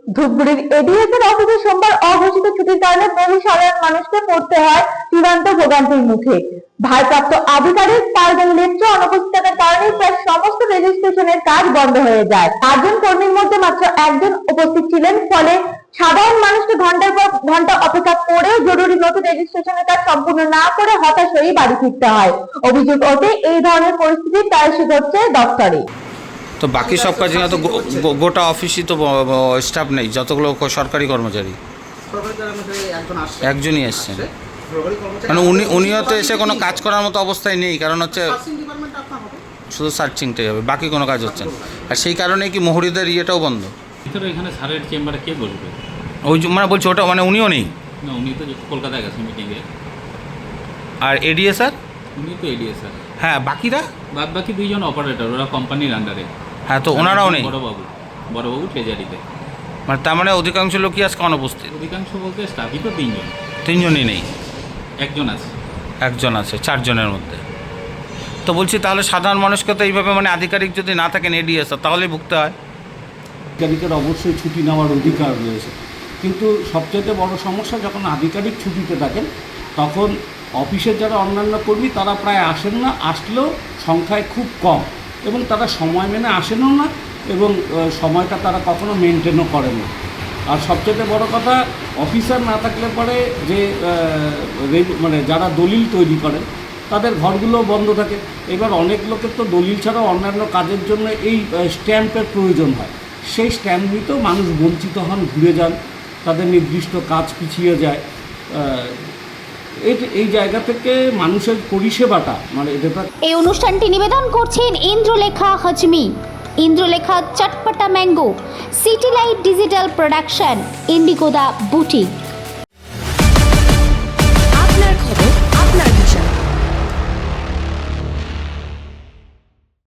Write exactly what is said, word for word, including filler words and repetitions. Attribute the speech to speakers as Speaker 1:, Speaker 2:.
Speaker 1: ধূপগুড়ির এডিএসের অফিসে সোমবার অঘোষিত ছুটির কারণে বহু সাধারণ মানুষকে পড়তে হয় চূড়ান্ত ভোগান্তির মুখে। ভারপ্রাপ্ত আধিকারিক পারভেজ লেপচা অনুপস্থিত থাকার কারণে প্রায় সমস্ত রেজিস্ট্রেশনের কাজ বন্ধ হয়ে যায়। পাঁচজন কর্মীর মধ্যে মাত্র একজন উপস্থিত ছিলেন, ফলে সাধারণ মানুষকে ঘন্টার পর ঘন্টা অপেক্ষা করে জরুরি নথি রেজিস্ট্রেশনের কাজ সম্পূর্ণ না করে হতাশ হয়ে বাড়ি ফিরতে হয়। অভিযোগ ওঠে এই ধরনের পরিস্থিতি প্রায়শই ঘটছে দপ্তরে।
Speaker 2: তো বাকি সব কাজে তো গোটা অফিসই তো স্টাফ নেই, যতগুলো সরকারি কর্মচারী একজনই এসছেন, মানে উনি উনিও তো এসে কোনো কাজ করার মতো অবস্থায় নেই, কারণ হচ্ছে শুধু সার্চিংটাই হবে, বাকি কোনো কাজ হচ্ছে না। আর সেই কারণে কি মহুরিদের ইয়েটাও বন্ধ।
Speaker 3: এখানে স্যারের চেম্বারে কে বলবে?
Speaker 2: ওই মানে বলছি ওটা মানে উনিও নেই।
Speaker 3: না, উনি তো কলকাতায় গেছেন মিটিংয়ে।
Speaker 2: আর এডিএ স্যার?
Speaker 3: উনি তো এডিএ স্যার।
Speaker 2: হ্যাঁ, বাকিরা
Speaker 3: বাদ বাকি দুইজন অপারেটর, ওরা কোম্পানির আন্ডারে।
Speaker 2: হ্যাঁ, তো ওনারাও নেই।
Speaker 3: বড়বাবু বড়বাবু ট্রেজারিতে।
Speaker 2: মানে তার মানে অধিকাংশ লোকই আজকে অনুপস্থিত।
Speaker 3: অধিকাংশ বলতে স্টাফই তো তিনজন।
Speaker 2: তিনজনই নেই,
Speaker 3: একজন আছে।
Speaker 2: একজন আছে চারজনের মধ্যে। তো বলছি তাহলে সাধারণ মানুষকে তো এইভাবে মানে আধিকারিক যদি না থাকেন এডিএস তাহলেই ভুগতে হয়।
Speaker 4: আধিকারিকের অবশ্যই ছুটি নেওয়ার অধিকার রয়েছে, কিন্তু সবচেয়ে বড় সমস্যা যখন আধিকারিক ছুটিতে থাকেন তখন অফিসের যারা অন্যান্য কর্মী তারা প্রায় আসেন না, আসলেও সংখ্যায় খুব কম, এবং তারা সময় মেনে আসেনও না, এবং সময়টা তারা কখনো মেনটেনও করেন না। আর সবচেয়ে বড় কথা, অফিসার না থাকলে পরে যে মানে যারা দলিল তৈরি করেন তাদের ঘরগুলো বন্ধ থাকে। এবার অনেক লোকের তো দলিল ছাড়াও অন্যান্য কাজের জন্য এই স্ট্যাম্পের প্রয়োজন হয়, সেই স্ট্যাম্প নিতেও মানুষ বঞ্চিত হন, ঘুরে যান, তাদের নির্দিষ্ট কাজ পিছিয়ে যায়। এই জায়গা থেকে মানুষের পরিষেবাটা মানে এটা।
Speaker 5: এই অনুষ্ঠানটি নিবেদন করছেন Indralekha Hajmi, Indralekha Chatpata mango, City Light digital production, Indigo the boutique.